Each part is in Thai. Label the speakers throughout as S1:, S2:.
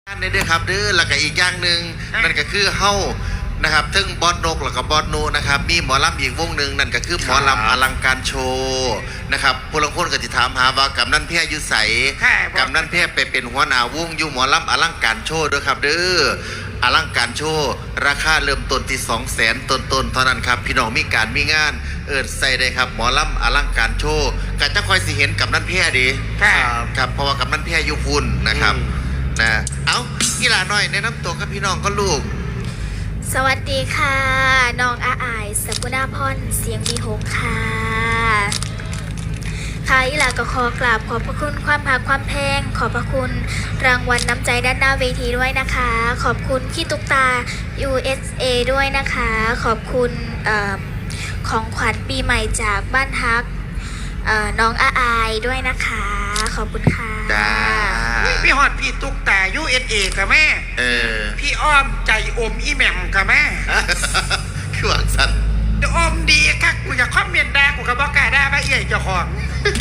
S1: นี่ด้วยครับเด้อแล้วก็อีกอย่างหนึ่งนั่นก็คือเฮ้านะครับทั้งบอสนกแล้วก็บอสนูนะครับมีหมอลำอีกวงหนึ่งนั่นก็คือหมอลำอลังการโชว์นะครับผู้ลงคนก็จะถามหาว่ากำนันเพียยุใสกำนันเพียไปเป็นหัวหน้าวงอยู่หมอลำอลังการโชว์ด้วยครับเด้ออลังการโชว์ราคาเริ่มต้นที่200,000ต้นเท่านั้นครับพี่น้องมีการมีงานใส่ได้ครับหมอลำอลังการโชว์ก็จะคอยสิเห็นกำนันเพียดีครับเพราะว่ากำนันเพียอยู่พุ่นนะครับนะเอากีฬาหน่อยแนะนำตัวกับพี่น้องก็ลูก
S2: สวัสดีค่ะน้องอาอายสกุณาพรเสียงมีหกค่ะค่ะอีหลาก็ขอกราบขอบพระคุณความภาคความแพงขอบพระคุณรางวัลน้ำใจด้านหน้าเวทีด้วยนะคะขอบคุณพี่ตุ๊กตา USA ด้วยนะคะขอบคุณของขวัญปีใหม่จากบ้านฮักน้องอาอายด้วยนะคะขอบคุณค่ะ
S3: พี่ฮอดพี่ตุ๊กตา USA กับแม่พี่อ้อมใจอมอีแหม่มกับแม่
S1: คือหวังสัน
S3: อมดีค่ะกูอยากคอมเมนต์ด่ากูกับบอกกาด่าบ้าเอี่ยเจ้าของ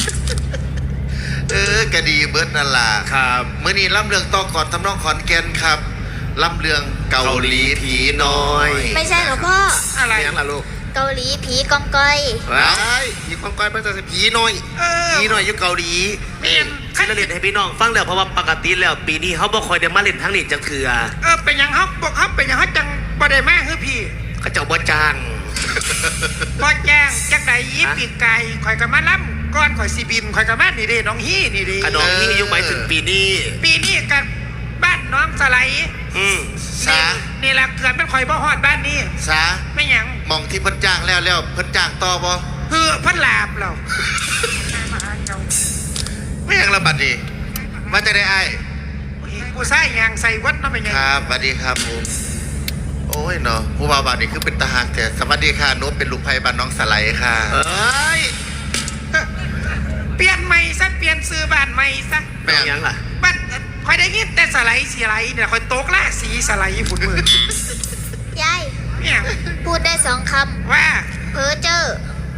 S1: ก็ดีเบิร์ดนั่นล่ะครับเมื่อนี้ล่ำเรืองต่อก่อนทำนองขอนแก่นครับล่ำเรืองเกาหลีผีน้อย
S2: ไม่ใช่หรอพ่อ
S3: อะไร
S1: ยังล่ะลูก
S2: เกาหลีผีกองก้อย
S1: ผีกองก้อยเป็นแต่ผีน้อยผีน้อยอยู่เกาหลี
S4: ที่เราเล่นให้พี่น้องฟังแล้วเพราะว่าปกติแล้วปีนี้เขาบ่คอยได้มาเล่นทั้งนี้จังเถื่อ
S3: เป็นยังเขาบอกเขาเป็นยังเขาจังบ่ได้มาคือพี่
S4: เขาเจ้าบ่จ้าง
S3: บ่จ้างจังไหนยี่ปีกไก่ข่อยกับมาล้ำก้อนข่อยซีบินข่อยกับมานี่เด้น้องฮี่นี่เด้
S4: น้องฮี่ยุ่งหมายถึงปีนี้
S3: กันบ้านน้องสไลด์
S1: สา
S3: นี่แหละเกิดเป็นข่อยบ่ฮอดบ้านนี้
S1: สา
S3: ไม่ยัง
S1: มองที่เพิ่นจ้างแล้วเพิ่นจ้างต่อบ่
S3: พันลาบเรา
S1: ไม่ยังระบาดดีมาจะได้ไอ้
S3: กูใส่ยางใส่วัดน้ำไม่ยัง
S1: ครับสวัสดีครับผมโอ้ยเนาะผู้บ่าวบ้านนี่คือเป็นตาหากแต่สวัสดีค่ะนุ๊กเป็นลูกไผ่บ้านน้องสไลด์ค่ะ
S3: เปลี่ยนใหม่ซะเปลี่ยนซื้อบ้านใหม่ซะ
S1: ไม่ยังล่ะ
S3: บ้านคอยได้ยินแต่สไลด์สีไหลเนี่ยคอยโต๊ะล่าสีสไลด์ฝุ่นมื
S2: อยาย
S3: เนี่ย
S2: พูดได้2 คำ
S3: ว่า
S2: เพ้อเจ้อ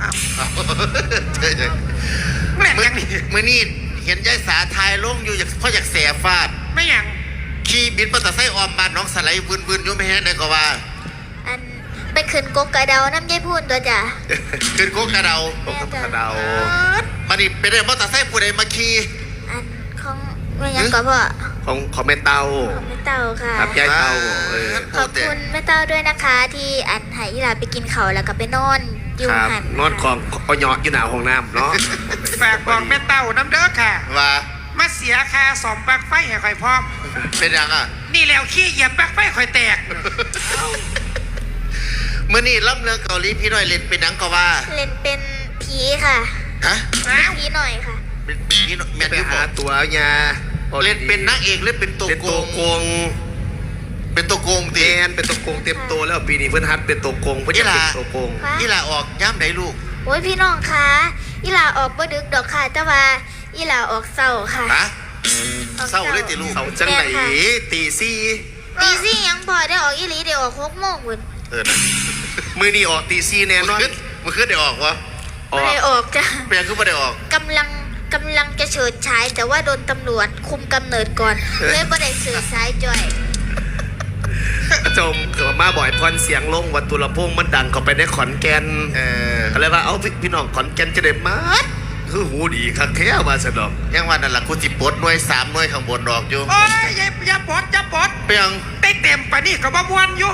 S3: แม่ยังนี่
S1: มื่อนี่เห็นยายสาทายลงอยู่เพราะอยากแสบฟาด
S3: ไม่ยัง
S1: ขี่บินปตะไส้ออมบ้านน้องสไลด์พื้นๆยุ่งไม่เห็นได้ก็ว่า
S2: อันไปขึ้นกกกระเดาน้ำยายพูนตัวจ้ะ
S1: ขึ้นกกกระเดามันนี่เป็นเรื่องปตะไส้ผู้ใดมาขี่
S2: อันของไม่ยังก็พ่อ
S4: ของแม่เต้า
S2: ค่ะ
S4: ครับยายเต้า
S2: ขอบคุณแม่เต้าด้วยนะคะที่อันให้อีหลาไปกินเขาแล้วก็ไปนอนอยู่หัน
S4: นอนของเอาหยอดอยู่หน้าห้องน้ำเนาะ
S3: ฝากบอกแม่เต้าน้ำเด้อค่ะ
S1: ว่า
S3: มาเสียค่าสอมปลั๊กไฟให้ค่อยพร้อม
S1: เป็นยังอ่ะ
S3: นี่แล้วขี้เหยียบปลั๊กไฟค่อยแตก
S1: เมื่อนี่ล่ำเรื่องเกาหลีพี่หน่อยเล่นเป็นหนังก็ว่า
S2: เล่นเป็นผีค่ะ
S1: ฮะ
S2: ผีหน่อยค่ะ
S1: เป็นผีแม่
S4: ไปหาตัวยา
S1: เล่นเป็นนางเอกหรือเป็นตัวโกงเป็นตัวโกง
S4: เต็มเป็นตัวโกงเต็มตัวแล้วปีนี้เพิ่นฮัดเป็นตัวโกงเพิ่นจะเป็นตัวโกง
S1: อีหล่าออกย่ำไหนลูก
S2: โอ้ยพี่น้องคะอีหล่าออกบ่ดึกดอกค่ะแต่ว่าอีหล่าออกเศร้าค่ะ
S1: เศร้าเลยติลูก
S4: เศร้าจังไหนตี
S2: สี่ยังพอได้ออกอีหลีได้ออก6 โมงพุ่น
S1: นะ
S4: มือนี่ออกตี4แน่นอน
S1: มือขึ้นได้ออกวะ
S2: ไม่ได้ออกจ้ะ
S1: เปลี่ยนขึ้นไม่ได้ออก
S2: กำลังจะเฉิดฉายแต่ว่าโดนตำรวจคุมกำเนิดก่อนเลยไม่ได้เฉิดฉายจ่อย
S4: จมเกิดมาบ่อยพรเสียงลงวัดตุลพงมันดังเข้าไปในขอนแก่นอะไรว่าเอาพี่น้องขอนแก่นจะได้มาคือหูดีคักแท้มาสนอง
S1: ยังวันนั่นแหละคุณจิปดหน่วย3 หน่วยข้างบนดอกอยู่
S3: โอ้ยอย่าปด
S1: เปียง
S3: ได้เต็มไปนี่ก็บ่ม่วนอยู่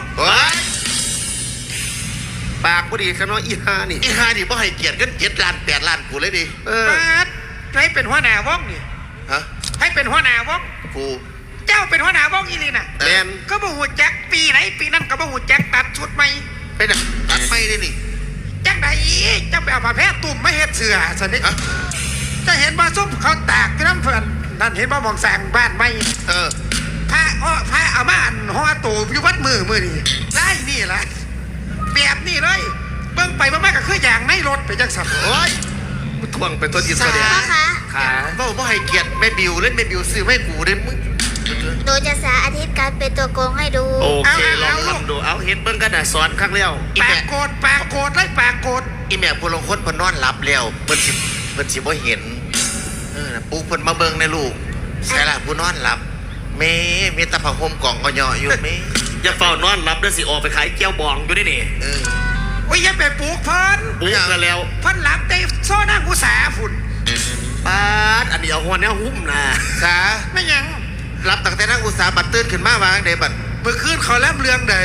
S4: ปากพอดีกันว่าอีฮานี่
S1: บ่ให้เกียรติกัน7 ล้าน8 ล้านกูเลยดิ
S3: ให้เป็นหัวหน้าวงนี่ให้เป็นหัวหน้าวง
S1: กู
S3: เจ้าเป็นหัวหน้าวงอีนี่น่ะ
S1: แม่น
S3: ก็บ่ฮู้จักปีไหนปีนั้นก็บ่ฮู้จักตัดชุดใหม่
S1: เป็นตัดใหม่ได้นี่
S3: จังได๋จังไปเอาผ้าแพร่ตุ่มมาเฮ็ดเสื้อซั่นนี่จะเห็นบ่ซุ่มเขาตากอยู่นำเพิ่นนั่นเห็นบ่มองสร้างบ้านใหม่ผ้าเอามาอันห่อตู้อยู่วัดมือนี่ได้นี่ล่ะแบบนี้เลยเบิ่งไปบ่มาก็คืออย่างในรถไปจังซั่นโอ้ย
S4: ทวงเป็นตัวที่แสดง
S2: ค่ะ
S1: บ่ให้เกียรติแม่บิวเล่นแม่บิวซื้อให้กูได้มึง
S2: โดยจะสาอาทิตย์การเป็นตัวโกงให้ดู
S4: โอเคลองทำดูเอาเห็นเบิ้งกระดาษสอนครั้งเลี้ยว
S3: ปากโกดเลยปากโกด
S1: อีแม่ผู้ลงคนเพิ่นนอนหลับแล้วเพิ่นสิบ่เห็นปุ๊กเพิ่นมาเบิ่งในลูกใช่ล่ะผู้นอนหลับเมมีแตะผักโฮมกล่องก็เหยาะอยู่เม
S4: อย่าเฝ้านอนรับเด้อสิออกไปขายแก้วบองอยู่ได้นี่
S1: เออ
S3: โอ้ยอยังไปปลูกเพิ่น
S4: ปุ๊บกันแล้ว
S3: เพิ่นหลับได้โซ่นั่งอุตสาห์ฝุ่น
S4: ปาดอันนี้เอาหัวเนี้ยหุ้มนะ
S1: สา
S3: ไม่หยัง
S1: รับตั้งแต่นักอุตสาหบัตรตื่นขึ้นมาวางเดบัตร
S3: เมื่อคืนเขาเล่มเรื่องใด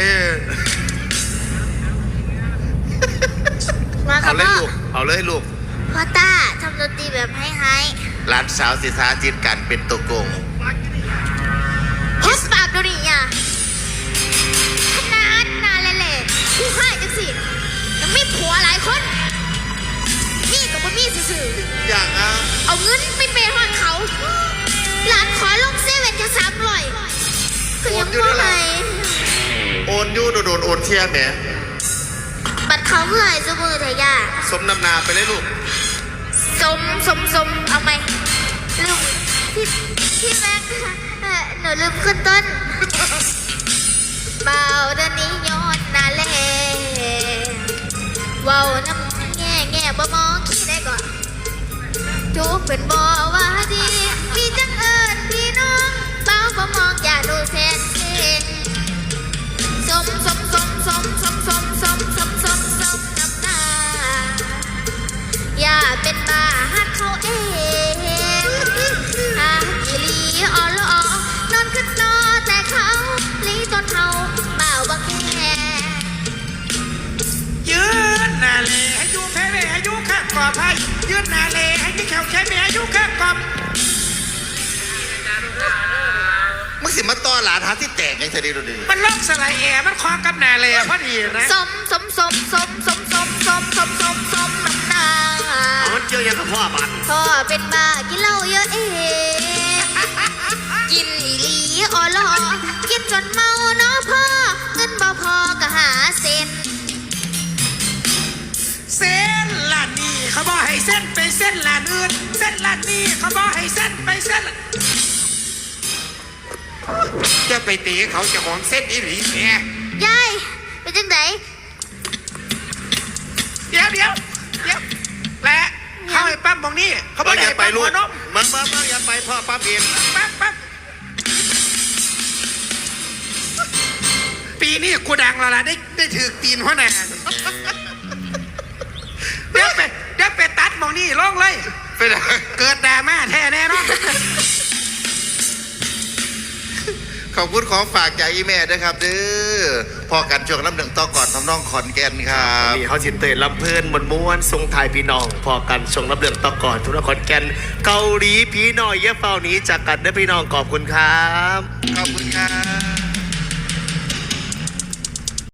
S2: มากั
S1: เอา
S2: บ
S1: เลย
S2: พ่อ
S1: ลูกเอาเลยลูก
S2: พ่อต้าทำดนตรีแบบให้
S1: หลานสาวศิษาจิตกันเป็นตัวโกง
S2: ฮิสปากดูดิอ่ะขนาดนาเล่ๆผู้ให้จังสิยังไม่ผัวหลายคนนี่กับบ่มีซื่อ
S1: อย่างอ่ะ
S2: ๆเอาเงินไปเปย์หอนเขา หลานขอลงเซเว่นจะ300ก็ยังบ่ให้
S1: โอนยู่โดนโอนเที่ยแหม
S2: บัตรเขาเมื่อยซุมือเถอะย่า
S1: สมน้ำนาไปเลยลูก
S2: สมเอาไหมลืมพี่แม็กหนูลืมขึ้นต้นเบาเดินนี้ย้อนนาแลเว้าน้ำแง่บ่มองขี้ได้ก่อนจูบเป็นบ่ว่าดีพี่จังเอิญพี่น้องเบาบ่มองอย่าดูแสนเก่งสมน้ำหน้าอย่าเป็นบ้าหักเขาเองหากอีหลีอ่อนละออนอนขึ้นนอแต่เขาลีตอนเขาเบาบังแค่
S3: ยืนหนาเลให้อยู่แพ้เวให้อยู่ข้างกอบให้ยืนหนาเลให้ที่แขวแค่เมียให้อยู่ข้างกอบ
S1: มึงสิมาต้อหลานหาที่แตกไงเธอดีดูดิ
S3: มันล็อกสไลด์แอร์มันคอกับหนาเลพอดีนะ
S2: สมน้ำหน้า
S4: เอามันเจียวยังกับพ่อบัน
S2: พ่อเป็นบ้ากินเหล้าเยอะเองกินอีหลีอ่อลอกินจนเมาเนาะพ่อเงินบ่พอก็หาเส้น
S3: เส้นลานนี่เขาบอกให้เส้นไปเส้นลานอื่นเส้นลานนี่เขาบอกให้เส้นไปเส้นจะไปตีเขาจะของเส้นอีหลีเนี่ย
S2: ยายเป็นจังได
S3: เดี๋ยวและเข้าไปปั๊มตรงนี้เขาบอก
S1: อย่า
S3: ให้
S1: ไป
S3: ปั๊ม
S1: ลู
S3: หั
S1: ก
S3: วนม
S1: มึงอย่าไปพ่อปั๊บเอง
S3: ปั๊บปีนี้กูดังแล้วล่ะได้ถือตีนหัวหน้าเดี๋ยวไปตัดมองนี่ลงเลย
S1: ไปไหน
S3: เกิดดราม่าแท้แน่เนอน
S1: ขอบคุณของฝากจากอีแม่ด้วยครับเด้อพอกันช่วงน้ำหนึ่งต่อก่อนทำน้องขอนแก่นครับ
S4: นี่เขาสิเตยลำเพลินม้วนทรงไทายพี่น้อง พอกันทรงรับเรื่องต่อก่อนทุกนครแก่นเกาหลีพี่น้อยเย่เฝ้าหนี้จากกันเด้อพี่น้องขอบคุณครับ
S1: ขอบคุณครับ